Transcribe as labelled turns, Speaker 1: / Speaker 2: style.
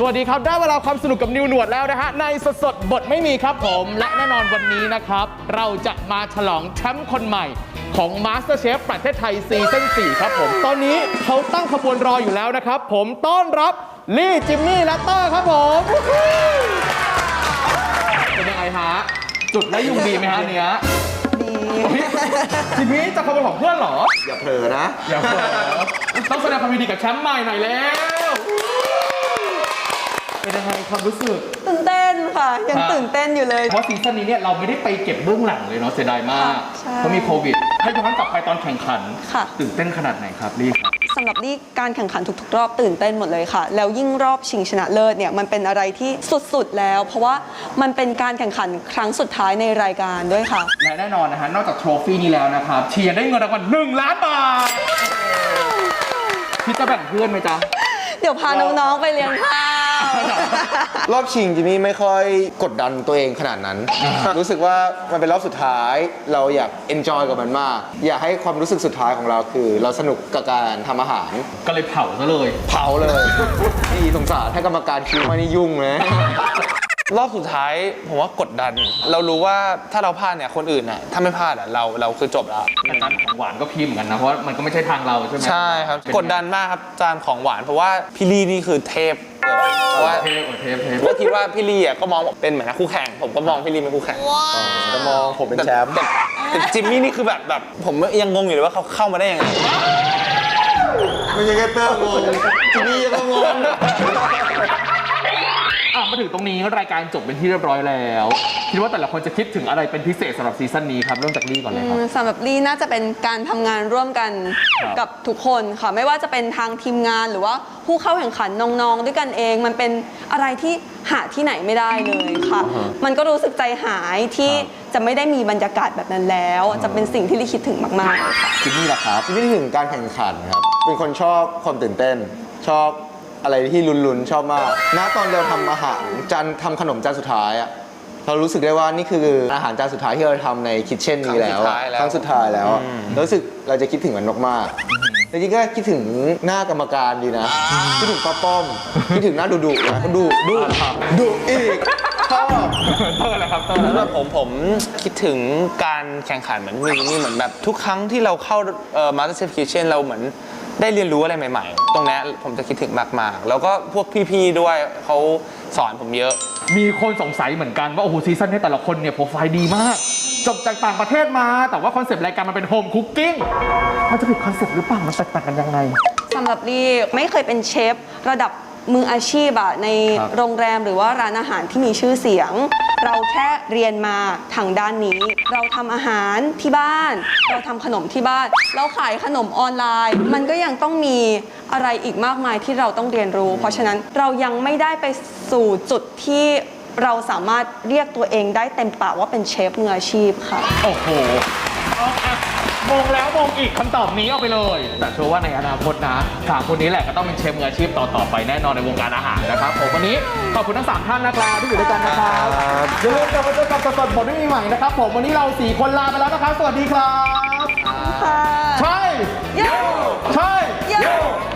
Speaker 1: วัสดีครับได้เวลาความสนุกกับนิวหนวดแล้วนะฮะในสดบทไม่มีครับผมและแน่นอนวันนี้นะครับเราจะมาฉลองแชมป์คนใหม่ของ MasterChef ประเทศไทยซีซั่น 4 ครับผมตอนนี้เขาตั้งขบวนรออยู่แล้วนะครับผมต้อนรับลี่จิมมี่และเตอร์ครับผมเป็นยังไงฮะจุดและยุงดีไหมฮะเนี้ยจิมมี่จะขบวนของเพื่อนเหรอ
Speaker 2: อย่าเผลอนะ
Speaker 1: อย่าเผลอต้องแสดงความยินดีกับแชมป์ใหม่หน่อยแล้วเป็นยังไงความรู้สึก
Speaker 3: ตื่นเต้นค่ะยังตื่นเต้นอยู่เลย
Speaker 1: เพราะซีซั่นนี้เนี่ยเราไม่ได้ไปเก็บเบื้องหลังเลยเนาะเสียดายมากเพราะมีโควิดให้ย้อนกลับไปตอนแข่งขันตื่นเต้นขนาดไหนครับลี่ครับ
Speaker 3: สำหรับลี่การแข่งขันทุกๆรอบตื่นเต้นหมดเลยค่ะแล้วยิ่งรอบชิงชนะเลิศเนี่ยมันเป็นอะไรที่สุดๆแล้วเพราะว่ามันเป็นการแข่งขันครั้งสุดท้ายในรายการด้วยค่ะ
Speaker 1: และแน่นอนนะฮะนอกจากโทรฟี่นี้แล้วนะครับเชียร์ได้เงินรางวัล1 ล้านบาทพี่จะแบ่งเพื่อนไหมจ๊ะ
Speaker 3: เดี๋ยวพาน้องๆไปเลี้ยงข้าว
Speaker 2: รอบชิงจิมมี่ไม่ค่อยกดดันตัวเองขนาดนั้น รู้สึกว่ามันเป็นรอบสุดท้ายเราอยากเอนจอยกับมันมากอยากให้ความรู้สึกสุดท้ายของเราคือเราสนุกกับการทำอาหาร
Speaker 1: ก็เลยเผาซะเลย
Speaker 2: นี่สงสารให้กรรมการคิวมานี่ยุ่งนะ
Speaker 4: รอบสุดท้ายผมว่ากดดันเรารู้ว่าถ้าเราพลาดเนี่ยคนอื่นน่ะถ้าไม่พลาดอ่ะเราคือจบแล้ว
Speaker 1: แต่จานของหวานก็พิมพ์เหมือนกันนะเพราะมันก็ไม่ใช่ทางเราใช่ไหม
Speaker 4: ใช่ครับกดดันมากครับจานของหวานเพราะว่าพี่ลี่นี่คือเทพเพราะว่า
Speaker 1: เทพ
Speaker 4: ก็คิดว่าพี่ลี่อ่ะก็มองเป็นเหมือนคู่แข่งผมก็มองพี่ลี่เป็นคู่แข่ง
Speaker 2: จะมองผมเป็นแชมป์
Speaker 4: แต่จิมมี่นี่คือแบบผมยังงงอยู่เลยว่าเขาเข้ามาได้ยังไง
Speaker 2: ไม่ใช่แค่เตอร์งงจิมมี่ยังงง
Speaker 1: มาถึงตรงนี้รายการจบเป็นที่เรียบร้อยแล้วคิดว่าแต่ละคนจะคิดถึงอะไรเป็นพิเศษสำหรับซีซั่นนี้ครับเริ่มจากลี่ก่อนเลยครับ
Speaker 3: สำหรับลี่น่าจะเป็นการทำงานร่วมกันกับทุกคนค่ะไม่ว่าจะเป็นทางทีมงานหรือว่าผู้เข้าแข่งขันน้องๆด้วยกันเองมันเป็นอะไรที่หาที่ไหนไม่ได้เลยค่ะมันก็รู้สึกใจหายที่จะไม่ได้มีบรรยากาศแบบนั้นแล้วจะเป็นสิ่งที่ลี่คิดถึงมากๆเลยค่ะ
Speaker 1: จิมมี่ล่ะครับ
Speaker 2: จิมมี่ถึงการแข่งขันครับเป็นคนชอบความตื่นเต้นชอบอะไรที่ลุ้นๆชอบมากณตอนเราทำอาหารทำขนมจานสุดท้ายอะเรารู้สึกได้ว่านี่คืออาหารจานสุดท้ายที่เราทำในคิทเช่นนี้แล้วครั้งสุดท้ายแล้วรู้สึกเราจะคิดถึงมันมากๆจริงๆก็คิดถึงหน้ากรรมการดีนะคิดถึงป้อมคิดถึงหน้าดุนะดุอีกชอบ
Speaker 1: เตอร์แหละครับเตอร์
Speaker 4: แล้วผมคิดถึงการแข่งขันเหมือนนี่เหมือนแบบทุกครั้งที่เราเข้าMasterChef Kitchen เราเหมือนได้เรียนรู้อะไรใหม่ๆตรงนี้ผมจะคิดถึงมากๆแล้วก็พวกพี่ๆด้วยเขาสอนผมเยอะ
Speaker 1: มีคนสงสัยเหมือนกันว่าโอ้โหซีซั่นนี้แต่ละคนเนี่ยโปรไฟล์ดีมากจบจากต่างประเทศมาแต่ว่าคอนเซปต์รายการมันเป็นโฮมคุกกิ้งมันจะผิดคอนเซปต์หรือเปล่ามันแตกต่างกันยังไง
Speaker 3: สำหรับลี่ไม่เคยเป็นเชฟระดับมืออาชีพในโรงแรมหรือว่าร้านอาหารที่มีชื่อเสียงเราแค่เรียนมาทางด้านนี้เราทำอาหารที่บ้านเราทำขนมที่บ้านเราขายขนมออนไลน์มันก็ยังต้องมีอะไรอีกมากมายที่เราต้องเรียนรู้เพราะฉะนั้นเรายังไม่ได้ไปสู่จุดที่เราสามารถเรียกตัวเองได้เต็มปากว่าเป็นเชฟมืออาชีพค่ะ
Speaker 1: โอ้โหมงแล้วมงอีกคำตอบนี้เอาไปเลยแต่เชื่อว่าในอนาคตนะ3คนนี้แหละก็ต้องเป็นเชฟมืออาชีพต่อไปแน่นอนในวงการอาหารนะครับผมวันนี้ขอบคุณทั้ง3ท่านนะครับที่อยู่ด้วยกันนะครับอย่าลืมกลับมาเจอกับสดบทไม่มีใหม่นะครับผมวันนี้เรา4คนลาไปแล้วนะครับสวัสดีครับใช่ใช่